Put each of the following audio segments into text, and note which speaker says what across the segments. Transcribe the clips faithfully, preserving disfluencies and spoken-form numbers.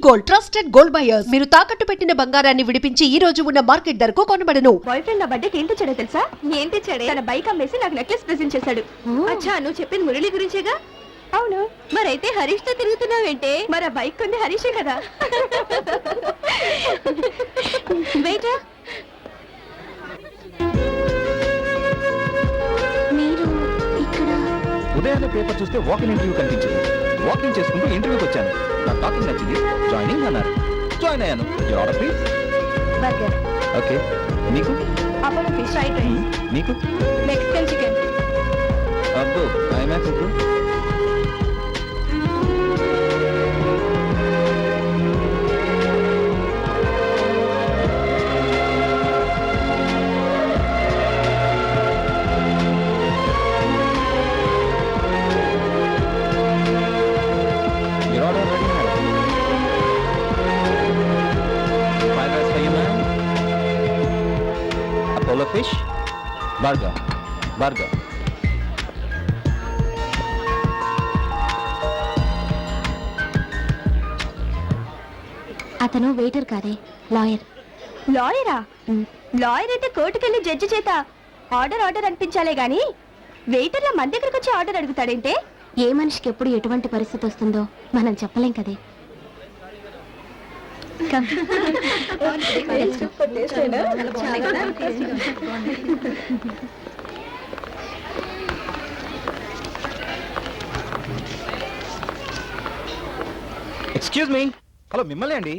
Speaker 1: Gold trusted gold buyers. మీరు తాకట్టు పెట్టిన బంగారాన్ని విడిపించి ఈ రోజు ఉన్న మార్కెట్ ధరకు కొనబడను.
Speaker 2: బాయ్ ఫ్రెండ్ నా బర్త్డేకి ఏంటి చెడే తెలుసా? ఏంటి చెడే? తన బైక్ అమ్మేసి నాకు నెక్లెస్ ప్రెజెంట్ చేశాడు. అచ్చా, నువ్వు చెప్పింది మురళి గురించేగా? అవును. మరైతే హరీష్ తో తిరుగుతున్నావేంటే? మరి ఆ బైక్ కొంది హరీషే కదా. వెయిట్, మీరు ఇక్కడ
Speaker 3: ఉదయాన్నే పేపర్ చూస్తే వాకింగ్ ఇంటర్వ్యూ కనిపించింది. వాకింగ్ చేసుకుంటూ ఇంటర్వ్యూకి వచ్చాను. నా టాకింగ్ నచ్చింది, జాయినింగ్ అన్నారు. జాయిన్ అయ్యాను. Your order please.
Speaker 2: Burger.
Speaker 3: Okay. నీకు?
Speaker 2: Apollo fish fried rice.
Speaker 3: నీకు?
Speaker 2: Mexican chicken.
Speaker 3: అబ్బో, ఐమాక్స్ ఇప్పుడు. Apollo fish, burger, burger.
Speaker 2: అతను వెయిటర్ కాదే, లాయర్. లాయరా? లాయర్ అయితే కోర్టుకెళ్ళి జడ్జి చేత ఆర్డర్ ఆర్డర్ అనిపించాలే గాని వెయిటర్ల మన దగ్గరకు వచ్చి ఆర్డర్ అడుగుతాడంటే? ఏ మనిషికి ఎప్పుడు ఎటువంటి పరిస్థితి వస్తుందో మనం చెప్పలేం కదే.
Speaker 3: Excuse me. హలో, మిమ్మల్ని అండి.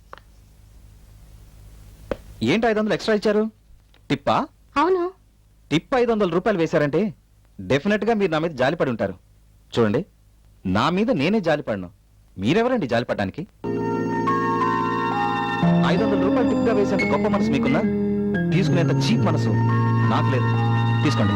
Speaker 3: ఏంటి ఐదు వందలు ఎక్స్ట్రా ఇచ్చారు? టిప్పా?
Speaker 2: అవును.
Speaker 3: టిప్ ఐదు వందల రూపాయలు వేశారంటే డెఫినెట్ గా మీరు నా మీద జాలిపడి ఉంటారు. చూడండి, నా మీద నేనే జాలిపడను. మీరెవరండి జాలిపడడానికి? ఐదు వందల రూపాయలు టిప్ గా వేసేంత గొప్ప మనసు మీకున్నా, తీసుకునేంత చీప్ మనసు నాకు లేదు. తీసుకోండి.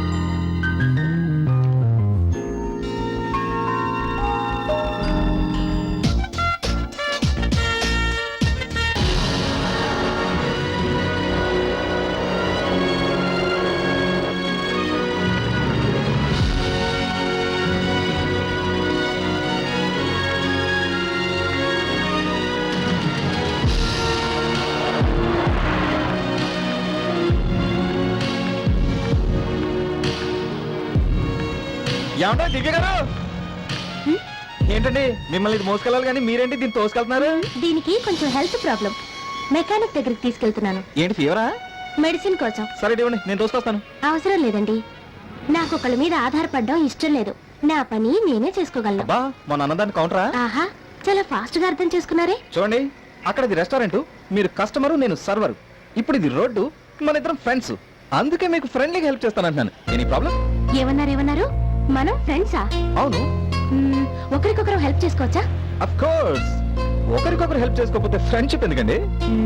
Speaker 3: ఏమంటా దివ్య గారు? ఏంటండి మిమ్మల్ని ఇది మోసుకెళ్ళాలి కానీ మీరేంటి దీన్ని తోసుకెళ్తున్నారు?
Speaker 2: దీనికి కొంచెం హెల్త్ ప్రాబ్లం, మెకానిక్ దగ్గరికి తీసుకెళ్తున్నాను.
Speaker 3: ఏంటి ఫీవరా?
Speaker 2: మెడిసిన్ కోసం.
Speaker 3: సరే ఇవ్వండి, నేను తోసుకొస్తాను.
Speaker 2: అవసరం లేదండి, నాకు ఒకళ్ళ మీద ఆధారపడడం ఇష్టం లేదు. నా పని నేనే చేసుకోగలను.
Speaker 3: అబ్బా, మొన్న అన్నదాన్ని కౌంటరా?
Speaker 2: ఆహా, చాలా ఫాస్ట్ గా అర్థం చేసుకున్నారే.
Speaker 3: చూడండి, అక్కడ ఇది రెస్టారెంట్, మీరు కస్టమరు, నేను సర్వర్. ఇప్పుడు ఇది రోడ్డు, మన ఇద్దరం ఫ్రెండ్స్. అందుకే మీకు ఫ్రెండ్లీగా హెల్ప్ చేస్తానంటున్నాను. Any problem?
Speaker 2: ఏమన్నారు ఏమన్నారు? మనం ఫ్రెండ్సా?
Speaker 3: అవును.
Speaker 2: ఒకరికొకరు హెల్ప్ చేసుకోవచ్చా?
Speaker 3: Of course. ఒకరికొకరు హెల్ప్ చేసుకోకపోతే ఫ్రెండ్షిప్ ఎందుకండి?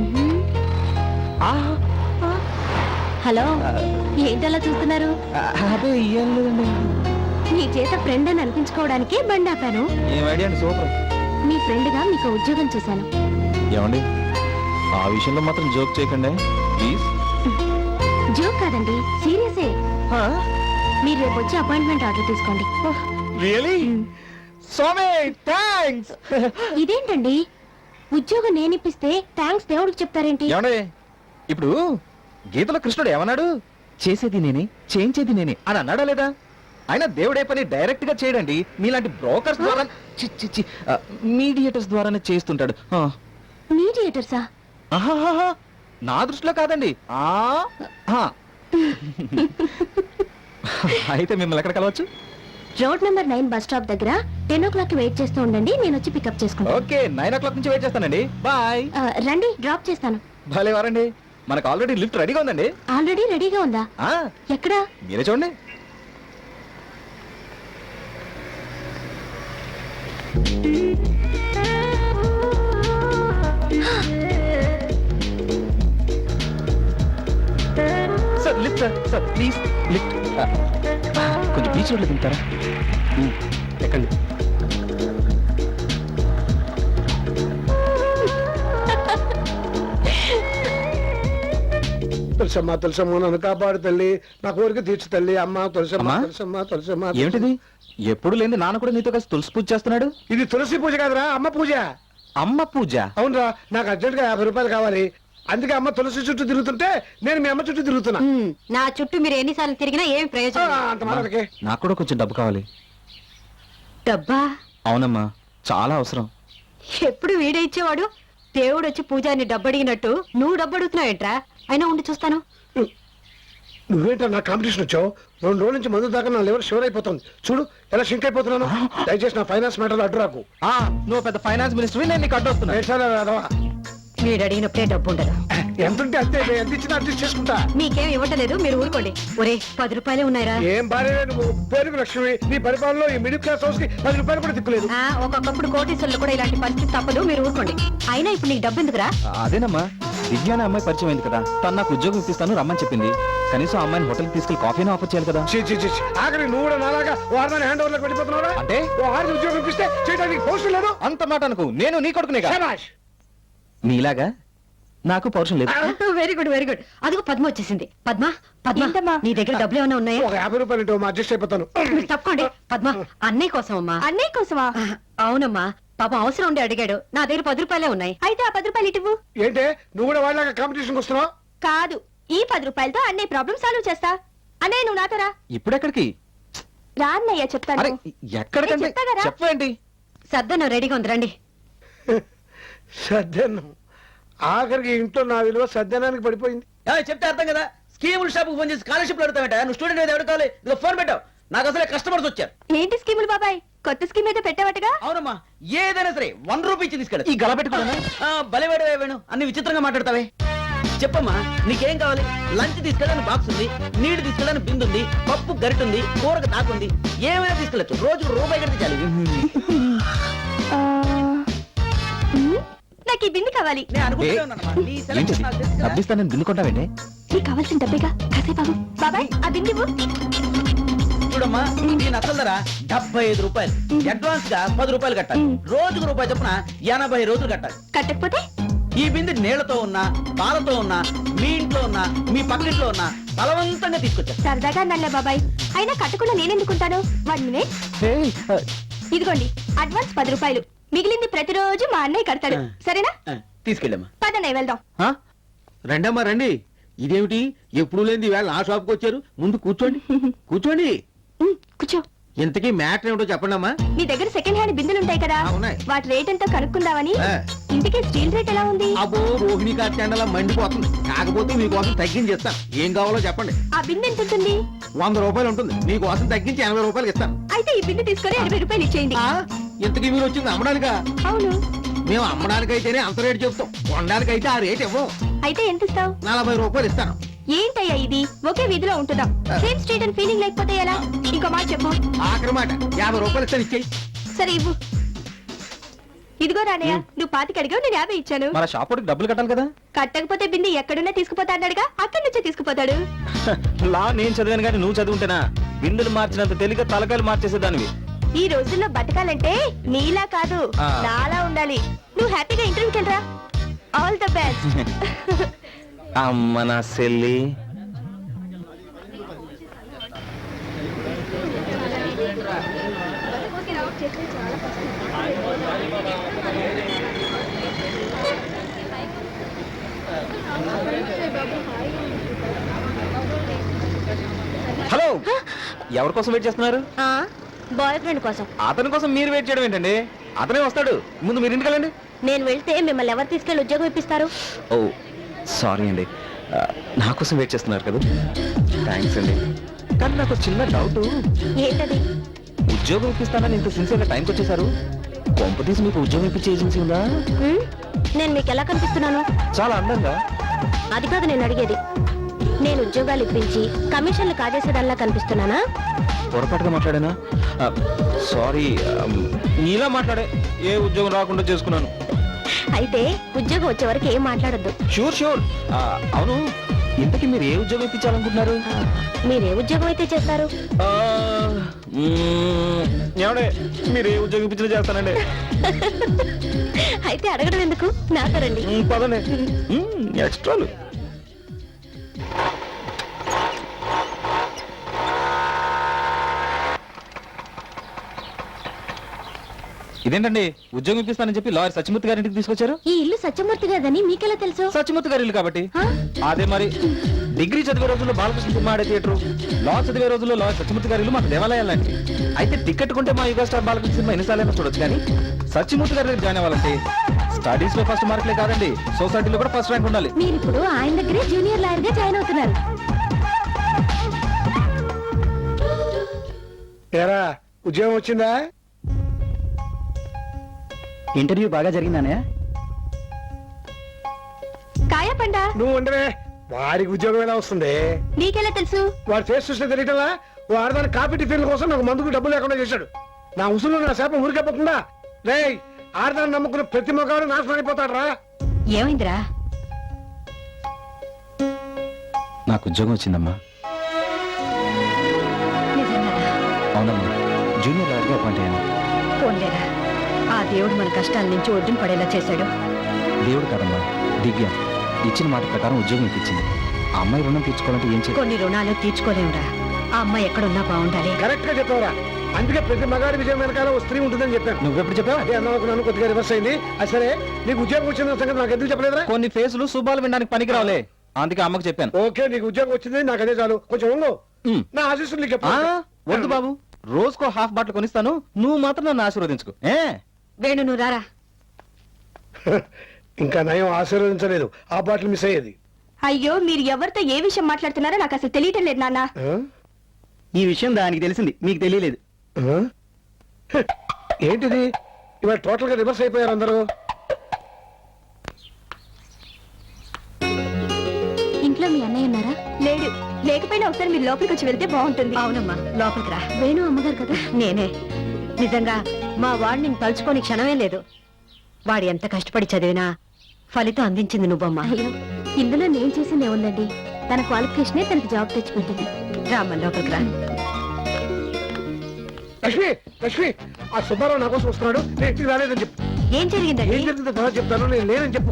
Speaker 2: హలో, ఏంటలా చూస్తున్నారు?
Speaker 3: అదే ఏం లేదండి.
Speaker 2: మీ చేత ఫ్రెండ్ అని అనిపించుకోవడానికే బండి ఆపాను.
Speaker 3: ఏం ఐడియా అండి, సూపర్.
Speaker 2: మీ ఫ్రెండ్ గా మీకు ఉద్యోగం చేశాను.
Speaker 3: ఏమండి, ఆ విషయంలో మాత్రం జోక్ చేయకండి ప్లీజ్.
Speaker 2: జోక్ కాదండి, సీరియసే. మీరు రేపు వచ్చి అపాయింట్మెంట్ ఆర్డర్ తీసుకోండి.
Speaker 3: రియలీ? స్వామి థాంక్స్.
Speaker 2: ఇదేంటండి, ఉద్యోగం నేను ఇప్పిస్తే థాంక్స్ దేవుడికి చెప్తారేంటి?
Speaker 3: ఏమండి, ఇప్పుడు గీతలో కృష్ణుడు ఏమన్నాడు? చేసేది నేనే, చేయించేది నేనే అని అన్నాడా లేదా? ఆయన దేవుడే పని డైరెక్ట్ గా చేయడండి, మీలాంటి బ్రోకర్స్ ద్వారా, మీడియేటర్స్ ద్వారానే చేస్తుంటాడు.
Speaker 2: మీడియేటర్సా?
Speaker 3: నా దృష్టిలో కాదండి. అయితే మిమ్మల్ని ఎక్కడ కలవచ్చు?
Speaker 2: Road number nine bus stop దగ్గర టెన్ ఓ క్లాక్ వెయిట్ చేస్తూ ఉండండి, నేను వచ్చి పికప్ చేసుకుంటాను.
Speaker 3: ఓకే, నైన్ ఓ క్లాక్ నుంచి వెయిట్ చేస్తానండి. బాయ్.
Speaker 2: రండి, డ్రాప్ చేస్తాను.
Speaker 3: భలే వారండి, మనకు ఆల్రెడీ లిఫ్ట్ రెడీగా ఉందండి.
Speaker 2: ఆల్రెడీ రెడీగా ఉందా? ఎక్కడా?
Speaker 3: మీరే చూడండి. Sir lift, sir sir please lift. కొంచెం బీచ్ రోడ్లో దిగుతారా? ఎక్కండి.
Speaker 4: తులసమ్మ తులసమ్మ నన్ను కాపాడు తల్లి, నా కోరిక తీర్చు తల్లి. అమ్మ తులసమ్మ తులసమ్మ తులసమ్మ.
Speaker 3: ఏమిటిది? ఎప్పుడు లేని నాన్న కూడా నీతో కలిసి తులసి పూజ చేస్తున్నాడు.
Speaker 4: ఇది తులసి పూజ కాదురా, అమ్మ పూజ.
Speaker 3: అమ్మ పూజ
Speaker 4: అవునరా, నాకు అర్జెంట్ గా యాభై రూపాయలు కావాలి. అందుకే అమ్మ తులసి చుట్టూ తిరుగుతుంటే నేను మీ అమ్మ చుట్టూ తిరుగుతున్నా.
Speaker 5: ఉమ్, నా చుట్టూ మీరు ఎన్నిసార్లు తిరిగినా ఏం
Speaker 4: ఆ,
Speaker 5: ప్రయోజనం లేదు.
Speaker 4: అంత మాటకే.
Speaker 3: నాకు కూడా కొంచెం డబ్బు కావాలి.
Speaker 5: డబ్బా
Speaker 3: అవునమ్మా, చాలా అవసరం.
Speaker 5: ఎప్పుడు వీడే ఇచ్చేవాడు. దేవుడు వచ్చి పూజారిని డబ్బు అడిగినట్టు నువ్వు డబ్బు అడుగుతున్నావు ఏంట్రా? అయినా ఉండి చూస్తాను.
Speaker 4: నువ్వేంటో నా కాంపిటీషన్ వచ్చావు. రెండు రోజుల నుంచి మందు దాకా నా లివర్ షివర్ అయిపోతుంది. చూడు ఎలా షింక్ అయిపోతున్నాను. దయచేసి నా ఫైనాన్స్ మ్యాటర్ అడ్డు రాకు.
Speaker 3: ఆ, నువ్వు పెద్ద ఫైనాన్స్ మినిస్టర్, నేను నీకు అడ్డొస్తున్నా.
Speaker 4: ఏడ్చాలా రాదవా?
Speaker 5: వీడు అడిగినప్పుడే డబ్బు ఉండదు.
Speaker 4: ఎంత ఉంటే అంతే, ఎంత ఇచ్చినా అడ్జస్ట్ చేసుకుంటా.
Speaker 5: మీకేం ఇవ్వటలేదు, మీరు ఊరుకోండి. ఒరే పది రూపాయలే ఉన్నాయిరా.
Speaker 4: ఏం భార్య నువ్వు, పేరుకు లక్ష్మి. నీ పరిపాలనలో ఈ మిడిల్ క్లాస్ హౌస్ కి పది రూపాయలు కూడా దిక్కులేదు.
Speaker 5: ఆ, ఒక్కొక్కప్పుడు కోటీశ్వరులు కూడా ఇలాంటి పరిస్థితి తప్పదు, మీరు ఊరుకోండి. అయినా ఇప్పుడు నీకు డబ్బు ఎందుకురా?
Speaker 3: అదేనమ్మా, దివ్య అనే అమ్మాయి పరిచయం అయింది కదా, తను నాకు ఉద్యోగం ఇప్పిస్తాను రమ్మని చెప్పింది. కనీసం ఆ అమ్మాయిని హోటల్కి తీసుకెళ్లి కాఫీని ఆఫర్ చేయాలి కదా.
Speaker 4: చీ, చీ, చీ, చీ. ఆఖరి నువ్వు కూడా నాలాగా వారిని హ్యాండ్ ఓవర్ లోకి వెళ్ళిపోతున్నావురా?
Speaker 3: అంటే?
Speaker 4: ఓ ఆరు ఉద్యోగం ఇప్పిస్తే చేయడానికి పోస్ట్ లేదు.
Speaker 3: అంత మాట అనుకు, నేను నీ కొడుకునే కదా.
Speaker 4: శభాష్.
Speaker 3: నీలాగా నాకు పౌరుషం లేదు.
Speaker 5: Very good very good. అదిగో పద్మ వచ్చేసింది. పద్మ పద్మ
Speaker 2: ఏంటమ్మా?
Speaker 5: నీ దగ్గర డబ్బులు ఏమైనా ఉన్నాయా?
Speaker 4: ఒక యాభై రూపాయలు ఇటు అడ్జస్ట్ అయిపోతాను.
Speaker 5: మీరు తప్పకోండి. పద్మ అన్నయ్య కోసం అమ్మా.
Speaker 2: అన్నయ్య కోసమా?
Speaker 5: ఆ, అవునమ్మా, పాపం అవసరం ఉండి అడిగాడు. నా దగ్గర పది రూపాయలే ఉన్నాయి.
Speaker 2: అయితే ఆ పది రూపాయలు ఇటువు.
Speaker 4: ఏంటే నువ్వు కూడా వాళ్ళగా కాంపిటీషన్ వస్తున్నావు?
Speaker 2: కాదు, ఈ పది రూపాయలతో అన్నయ్య ప్రాబ్లం సాల్వ్ చేస్తా. అన్నయ్య నువ్వు నాతో రా.
Speaker 3: ఇప్పుడెక్కడికి?
Speaker 2: రా అన్నయ్య చెప్తాను.
Speaker 3: అరే ఎక్కడికంటే
Speaker 2: నేను చెప్తా కదా.
Speaker 3: చెప్పండి.
Speaker 5: సర్దను రెడీగా ఉంది రండి.
Speaker 4: సద్యనం. ఆఖరికి ఇంట్లో నా విలువ సద్యనానికి పడిపోయింది.
Speaker 6: ఏయ్, చెప్తే అర్థం కదా. స్కీముల షాప్ ఫోన్ చేసి స్కాలర్షిప్ అడుగుతావేట. నువ్వు స్టూడెంట్ అయితే ఎవరు కావాలి? ఇదిగో ఫోన్ పెట్టావు. నాకు అసలే కస్టమర్స్ వచ్చారు.
Speaker 2: ఏంటి స్కీములు బాబాయ్? కొత్త స్కీమ్ ఏదో పెట్టావటగా?
Speaker 6: అవునమ్మా, ఏదైనా సరే వన్ రూపీ ఇచ్చి తీసుకెళ్ళి.
Speaker 3: ఈ గల పెట్టుకున్నా
Speaker 6: బలివాడు వేణు అన్ని విచిత్రంగా మాట్లాడతావే. చెప్పమ్మా, నీకేం కావాలి? లంచ్ తీసుకెళ్ళడానికి బాక్స్ ఉంది, నీళ్లు తీసుకెళ్ళడానికి బిందు ఉంది, పప్పు గరిట ఉంది, కూరకు దాకుంది. ఏమైనా తీసుకెళ్ళచ్చు. రోజు రూపాయి కడితే చాలు.
Speaker 2: ఆ, ఉమ్, నాకు ఈ బింది కావాలి.
Speaker 6: నేను అనుకుంటూనే ఉన్నానమ్మా. నీ
Speaker 3: ఏంటి
Speaker 6: సెలక్షన్ నాకు తెలుసు కదా.
Speaker 3: డబ్బిస్తానని దిన్నుకుంటావేంటి?
Speaker 2: నీకు కావాల్సిన డబ్బేగా. కాసేపు ఆగు. బాబాయ్ ఆ బింది ఇవ్వు.
Speaker 6: చూడమ్మా, దీని అసలు ధర డెబ్బై ఐదు రూపాయలు. అడ్వాన్స్ గా పది రూపాయలు కట్టాలి. రోజుకు రూపాయి చొప్పున ఎనభై రోజులు కట్టాలి.
Speaker 2: కట్టకపోతే
Speaker 6: ఈ బిందె నీళ్లతో ఉన్నా, పాలతో ఉన్నా, మీ ఇంట్లో ఉన్నా, మీ పక్కింట్లో ఉన్నా బలవంతంగా తీసుకొచ్చారు.
Speaker 2: సరదాగా అన్నలే బాబాయ్. అయినా కట్టకుండా నేనెందుకుంటాను? One minute.
Speaker 3: ఏయ్, ఆ,
Speaker 2: ఇదిగోండి అడ్వాన్స్ పది రూపాయలు. మిగిలింది ప్రతిరోజు మా అన్నయ్య కడతాడు. సరేనా?
Speaker 6: ఆ, తీసుకెళ్ళమ్మా.
Speaker 2: పదన్నయ్య వెళ్దాం.
Speaker 7: ఆ? రండమ్మా రండి. ఇదేమిటి ఎప్పుడు లేని వేళ నా షాప్కి వచ్చారు? ముందు కూర్చోండి కూర్చోండి.
Speaker 2: ఉమ్, కూర్చో.
Speaker 7: ఇంతకీ మ్యాటర్ ఏమిటో చెప్పండి అమ్మా.
Speaker 2: మీ దగ్గర సెకండ్ హ్యాండ్ బిందెలు ఉంటాయి కదా,
Speaker 7: ఆ, ఉన్నాయి.
Speaker 2: వాటి రేట్ ఎంతో కనుక్కుందామని.
Speaker 7: ఆ.
Speaker 2: ఇంటికి స్టీల్ రేట్ ఎలా ఉంది?
Speaker 7: అబ్బో, రోహిణి కార్తెండలా మండిపోతుంది. కాకపోతే మీకోసం తగ్గించి ఇస్తాను. ఏం కావాలో చెప్పండి.
Speaker 2: ఆ బిందె ఎంత ఉంటుంది?
Speaker 7: వంద రూపాయలు ఉంటుంది. మీకోసం తగ్గించి ఎనభై రూపాయలు ఇస్తాను.
Speaker 2: అయితే ఈ బిందె తీసుకొని ఎనభై రూపాయలు ఇచ్చేయండి.
Speaker 7: ఆ? ఇంతకీ మీరు వచ్చింది అమ్మడానికా?
Speaker 2: అవును.
Speaker 7: మేము అమ్మడానికైతేనే అంత రేటు చెప్తాం, కొనడానికైతే ఆ రేట్ ఇవ్వం.
Speaker 2: అయితే ఎంత ఇస్తావు?
Speaker 7: నలభై రూపాయలు ఇస్తాను.
Speaker 2: ఏంటయ్యా ఇది? ఒకే వీధిలో ఉంటున్నాం. సేమ్ స్ట్రీట్ అని ఫీలింగ్ లేకపోతే ఎలా? ఇంకో మాట చెప్పు.
Speaker 7: ఆఖరి మాట యాభై రూపాయలు ఇస్తాను, ఇచ్చేయి.
Speaker 2: సరే ఇవ్వు. ఇదిగో రానయ్య, నువ్వు పాతికి అడిగావు, నేను యాభై ఇచ్చాను.
Speaker 3: మన షాప్ వాడికి డబ్బులు కట్టాలి కదా.
Speaker 2: కట్టకపోతే బిందె ఎక్కడున్నా తీసుకుపోతా అన్నాడుగా, అక్కడి నుంచే తీసుకుపోతాడు.
Speaker 3: లా నేను చదివాను కానీ నువ్వు చదువుంటేనా బిందులు మార్చినంత తేలిక తలకాయలు మార్చేసేదానివి.
Speaker 2: ఈ రోజుల్లో బతకాలంటే నీలా కాదు,
Speaker 3: ఆ.
Speaker 2: నాలా ఉండాలి. నువ్వు హ్యాపీగా ఇంటర్వ్యూకి వెళ్ళరా. All the best.
Speaker 3: అమ్మ నా సెల్లి. హలో, ఎవరి కోసం వెయిట్ చేస్తున్నారు?
Speaker 2: బాయ్ ఫ్రెండ్ కోసం.
Speaker 3: అతని కోసం మీరు వెయిట్ చేయడం ఏంటండి? అతనే వస్తాడు. ముందు మీరు ఇంటికి వెళ్ళండి.
Speaker 2: నేను వెళ్తే మిమ్మల్ని ఎవరు తీసుకెళ్లి ఉద్యోగం ఇప్పిస్తారు?
Speaker 3: ఓ సారీ అండి, ఆ, నా కోసం వెయిట్ చేస్తున్నారు కదా. థ్యాంక్స్ అండి. కానీ నాకు ఒక చిన్న డౌట్.
Speaker 2: ఏంటది?
Speaker 3: ఉద్యోగం ఇప్పిస్తానని ఇంత సిన్సియర్గా టైంకి వచ్చేసారు. కొంప తీసి మీకు ఉద్యోగం ఇప్పించే ఏజెన్సీ ఉందా?
Speaker 2: హ్మ్? నేను మీకు ఎలా కనిపిస్తున్నాను?
Speaker 3: చాలా అందంగా.
Speaker 2: అది కాదు నేను అడిగేది. నేను ఉద్యోగాలు ఇప్పించి కమిషన్లు కాజేసేదానిలా కనిపిస్తున్నానా?
Speaker 3: పొరపాటుగా మాట్లాడానా? సారీ, నీలా మాట్లాడే ఏ ఉద్యోగం రాకుండా చేసుకున్నాను.
Speaker 2: అయితే ఉద్యోగం వచ్చే వరకు ఏం మాట్లాడొద్దు.
Speaker 3: Sure sure. అవును, ఇంతకీ మీరు ఏ ఉద్యోగం ఇప్పించాలనుకుంటున్నారు?
Speaker 2: ఆ, మీరే ఉద్యోగం అయితే చేస్తారు?
Speaker 3: ఆ, మ్మ్, ఏమండే మీరు ఏ ఉద్యోగం ఇప్పించినా చేస్తానండి.
Speaker 2: అయితే అడగడం ఎందుకు, నాతో రండి.
Speaker 3: మ్మ్, పదండి. మ్మ్, ఎక్స్ట్రాలు. ఇదేంటండి ఉద్యోగం ఇప్పిస్తానని చెప్పి లాయర్ సత్యమూర్తి గారి ఇంటికి తీసుకొచ్చారు?
Speaker 2: ఈ ఇల్లు సత్యమూర్తి గారిదని మీకెలా తెలుసు?
Speaker 3: సత్యమూర్తి గారి ఇల్లు కాబట్టి.
Speaker 2: ఆ?
Speaker 3: అదే మరి డిగ్రీ చదివే రోజుల్లో బాలకృష్ణ సినిమా ఆడే థియేటర్, లా చదివే రోజుల్లో లాయర్ సత్యమూర్తి గారి ఇల్లు మాకు దేవాలయాలండి. అయితే టికెట్ కొంటే మా యుగ స్టార్ బాలకృష్ణ సినిమా ఎన్నిసార్లైనా చూడొచ్చు, కానీ సత్యమూర్తి గారి దగ్గర జాయిన్ అవ్వాలంటే స్టడీస్ లో ఫస్ట్ మార్కులే కాదండి, సొసైటీలో కూడా ఫస్ట్ ర్యాంక్ ఉండాలి.
Speaker 2: మీరు ఇప్పుడు ఆయన దగ్గరే జూనియర్ లాయర్ గా జాయిన్ అవుతున్నారు.
Speaker 4: ఏరా ఉద్యోగం వచ్చిందా?
Speaker 6: ఇంటర్వ్యూ బాగా జరిగిందానే?
Speaker 2: కాయా పండా
Speaker 4: నువ్వు ఉండవే, వాడికి ఉద్యోగం ఎలా వస్తుంది?
Speaker 2: నీకెలా తెలుసు?
Speaker 4: వాడు ఫేస్ చూస్తే తెలియటలా వాడదాని కాఫీ టిఫిన్ కోసం నాకు మందుకు డబ్బులు లేకుండా చేశాడు. నా ఉసులు నా శాపం ఊరికెప్పకుండా రే ఆడదాన్ని నమ్ముకున్న ప్రతి మొగాడు నాశనం అయిపోతాడు రా.
Speaker 5: ఏమైందిరా?
Speaker 3: నాకు ఉద్యోగం వచ్చిందమ్మా.
Speaker 5: నిజంగానా?
Speaker 3: అవునమ్మా, జూనియర్ లాయర్గా అపాయింట్ అయ్యాను.
Speaker 5: పోన్లేరా, ఆ దేవుడు మన కష్టాల నుంచి ఒడ్డున పడేలా చేశాడు.
Speaker 3: దేవుడు కాదమ్మా, దివ్య ఇచ్చిన మాట ప్రకారం ఉద్యోగం ఇప్పించింది. ఆ అమ్మాయి రుణం తీర్చుకోవాలంటే ఏం చేయాలి?
Speaker 5: కొన్ని రుణాలు తీర్చుకోలేమురా. ఆ అమ్మాయి ఎక్కడున్నా బాగుండాలి.
Speaker 4: కరెక్ట్ గా చెప్పావురా. అందుకే ప్రతి మగాడి విజయం వెనకాల ఓ స్త్రీ ఉంటుందని చెప్పాను.
Speaker 3: నువ్వెప్పుడు చెప్పావు?
Speaker 4: అదే అన్నాను, కొద్దిగా రివర్స్ అయింది. అది సరే, నీకు ఉద్యోగం వచ్చిన సంగతి నాకు ఎందుకు చెప్పలేదురా?
Speaker 3: కొన్ని ఫేసులు శుభాలు వినడానికి పనికి రావులే, అందుకే అమ్మకు చెప్పాను.
Speaker 4: ఓకే, నీకు ఉద్యోగం వచ్చింది, నాకు అదే చాలు. కొంచెం ఉండు,
Speaker 3: ఉమ్.
Speaker 4: నా ఆశీస్సులు నీకు
Speaker 3: ఆ,
Speaker 4: చెప్పు.
Speaker 3: వద్దు బాబు, రోజుకో హాఫ్ బాటిల్ కొనిస్తాను, నువ్వు మాత్రం నన్ను ఆశీర్వదించుకో. ఏ
Speaker 5: వేణు నువ్వు రారా.
Speaker 4: ఇంకా నయం ఆశీర్వదించలేదు, ఆ బాటిల్ మిస్ అయ్యేది.
Speaker 2: అయ్యో, మీరు ఎవరితో ఏ విషయం మాట్లాడుతున్నారో నాకు అసలు తెలియటం లేదు నాన్న.
Speaker 4: ఆ?
Speaker 6: ఈ విషయం దానికి తెలిసింది, మీకు తెలియలేదు.
Speaker 4: ఆ? హ, ఏంటిది ఇవాళ టోటల్ గా రివర్స్ అయిపోయారు అందరూ.
Speaker 2: ఇంట్లో మీ అన్నయ్య ఉన్నారా? లేడు. లేకపోయినా ఒకసారి మీరు లోపలికి వచ్చి వెళ్తే బాగుంటుంది.
Speaker 5: అవునమ్మా, లోపలికి రా.
Speaker 2: వేణు అమ్మగారు కదా?
Speaker 5: నేనే. నిజంగా మా వాడు నేను తలుచుకోని క్షణమే లేదు. వాడు ఎంత కష్టపడి చదివినా ఫలితం అందించింది నువ్వమ్మా.
Speaker 2: అయ్యో, ఇందులో నేను చేసింది ఏముందండి? తన క్వాలిఫికేషనే తనకి జాబ్ తెచ్చిపెట్టింది.
Speaker 5: రామ్మ లోపలికి రా.
Speaker 4: లక్ష్మి, లక్ష్మి, ఆ సుబ్బారావు నా కోసం వస్తున్నాడు, నేను ఇంటికి రాలేదని చెప్పు.
Speaker 5: ఏం జరిగిందండి?
Speaker 4: ఏం జరిగిందో తర్వాత చెప్తాను, నేను లేనని చెప్పు.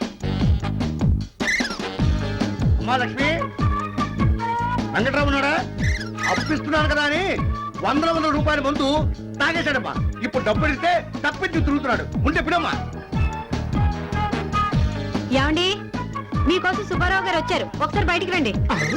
Speaker 8: అమ్మా లక్ష్మి, వెంకట్రావు ఉన్నాడా? అప్పిస్తున్నాను కదా అని వందల వందల రూపాయల ముందు తాగేశాడమ్మా. ఇప్పుడు డబ్బులు ఇస్తే తప్పించి తిరుగుతున్నాడు. ఉంటే పిడమ్మా.
Speaker 5: ఏమండి, మీకోసం సుబ్బారావు గారు వచ్చారు, ఒకసారి బయటికి రండి.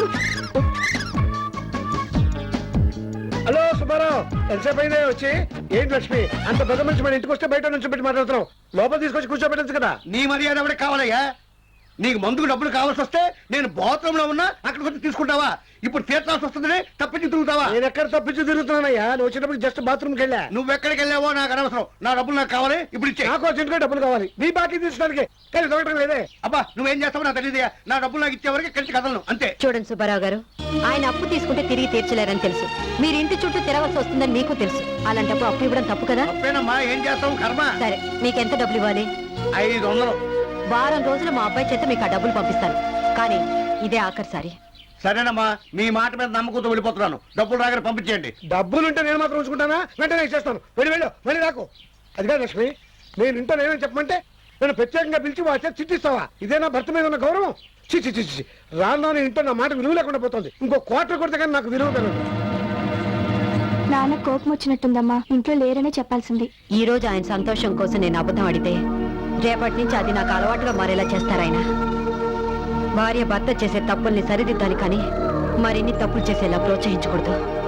Speaker 4: హలో సుబ్బారావు, ఎంతసేపు అయిందే వచ్చి? ఏంటి లక్ష్మి, అంత పెద్ద మనిషి మన ఇంటికి వస్తే బయట నుంచి పెట్టి మాట్లాడుతున్నావు, లోపల తీసుకొచ్చి కూర్చోబెట్టచ్చు కదా.
Speaker 8: నీ మర్యాద ఎవరికి కావాలయ్యా? నీకు మందుకు డబ్బులు కావాల్సి వస్తే నేను బాత్రూమ్ లో ఉన్నా అక్కడికి వచ్చి తీసుకుంటావా? ఇప్పుడు తీర్చాల్సి వస్తుందని తప్పించి తిరుగుతావా?
Speaker 4: నేను ఎక్కడ తప్పించి తిరుగుతున్నానయ్యా, నువ్వు వచ్చినప్పుడు జస్ట్ బాత్రూమ్కి వెళ్ళా.
Speaker 8: నువ్వెక్కడికి వెళ్ళావో నాకు అనవసరం. నా డబ్బులు నాకు కావాలి, ఇప్పుడు ఇచ్చే.
Speaker 4: నాకు వచ్చిన డబ్బులు కావాలి, నీ బాకీ తీసుకోవడానికి, కానీ దొరకడం లేదే.
Speaker 8: అబ్బా, నువ్వేం చేస్తావో నాకు తెలియదయా. నా డబ్బులు నాకు ఇచ్చే వరకు కలిసి కదలను, అంతే.
Speaker 5: చూడండి సుబ్బారావు గారు, ఆయన అప్పు తీసుకుంటే తిరిగి తీర్చలేరని తెలుసు. మీరు ఇంటి చుట్టూ తిరగవలసి వస్తుందని మీకు తెలుసు. అలాంటప్పుడు అప్పు ఇవ్వడం తప్పు కదా?
Speaker 8: తప్పేనమ్మా, ఏం చేస్తావు కర్మ.
Speaker 5: సరే, మీకు ఎంత డబ్బులు ఇవ్వాలి?
Speaker 8: ఐదు వందలు.
Speaker 5: వారం రోజులు మా అబ్బాయి చేత మీకు ఆ డబ్బులు పంపిస్తాను, కానీ ఇదే ఆఖరిసారి.
Speaker 8: సరేనమ్మా, మీ మాట మీద నమ్మకంతో వెళ్ళిపోతున్నాను. డబ్బులు రాగానే పంపించేయండి.
Speaker 4: డబ్బులుంటే నేను మాత్రం ఉంచుకుంటానా? వెంటనే ఇచ్చేస్తాను, వెళ్ళి వెళ్ళు, మళ్ళీ రాకు. అది కాదు లక్ష్మి, నేను ఇంట్లో నేనేం చెప్పమంటే నేను ప్రత్యేకంగా పిలిచి వాచే చిట్టిస్తావా? ఇదేనా భర్త మీద ఉన్న గౌరవం? చిచ్చి చిచ్చి, రాను ఇంట్లో నా మాట విలువ లేకుండా పోతుంది. ఇంకో క్వార్టర్ కొడితే కానీ నాకు విలువ పెరగదు.
Speaker 2: నాన్న కోపం వచ్చినట్టుందమ్మా, ఇంట్లో లేరనే చెప్పాల్సింది.
Speaker 5: ఈ రోజు ఆయన సంతోషం కోసం నేను అబద్ధం అడితే రేపటి నుంచి అది నాకు అలవాటుగా మారేలా చేస్తారాయన. భార్య భర్త చేసే తప్పుల్ని సరిదిద్దాలి, కానీ మరిన్ని తప్పులు చేసేలా ప్రోత్సహించకూడదు.